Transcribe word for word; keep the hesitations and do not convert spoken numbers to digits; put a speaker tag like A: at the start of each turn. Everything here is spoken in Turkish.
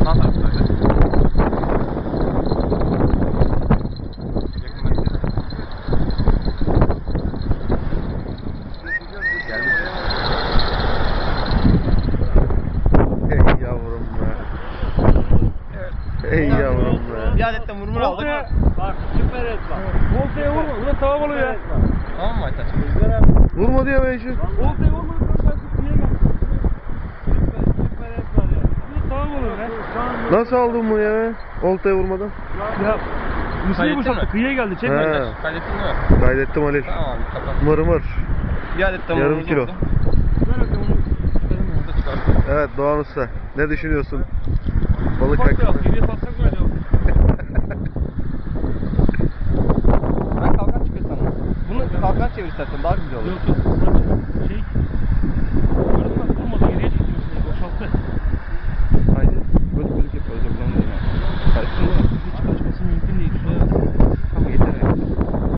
A: Sağ tarafta öyle. Geldi.
B: Ey yavrum be. Ey yavrum be.
A: Bir adet de murmur aldık.
C: Bak süper et bak. Voltaya vurma. Ulan tava balığı ya.
A: Tamam mı Aytaç?
B: Vurma diyor be işi.
C: Voltaya vurma. Sen niye gel? Süper, süper et var ya. Bu tava balığı be.
B: Nasıl aldın bunu ya? Oltaya vurmadan.
C: Ya. Mısır'ı
A: Kaydettin
C: boşalttı.
A: mi?
C: Kıyıya geldi. Çekme.
B: He.
C: Aytaç.
A: Kaydettin mi?
B: Kaydettim Halil.
A: Tamam abi kapat.
B: Mır mır.
A: Bir adet de
B: Yarım
A: murmurumuz
B: kilo.
A: oldu.
C: Ver bakalım onu.
A: Burada çıkarttım.
B: Evet Doğan Usta. Ne düşünüyorsun? Balık
C: Bak ya.
B: hakkında.
C: Geriye satsak mı acaba?
A: Ben kalkan çıkıyor sandım. Bunu kalkan çevir istersen daha güzel olur.
C: Yok yok. Burası şey. Gördün mü? Vurmadı. Geriye çekti Mısır'ı. Boşalttı.
A: Haydi. Böyle bölük yapıyor. Özür dilerim. Karıştın mı?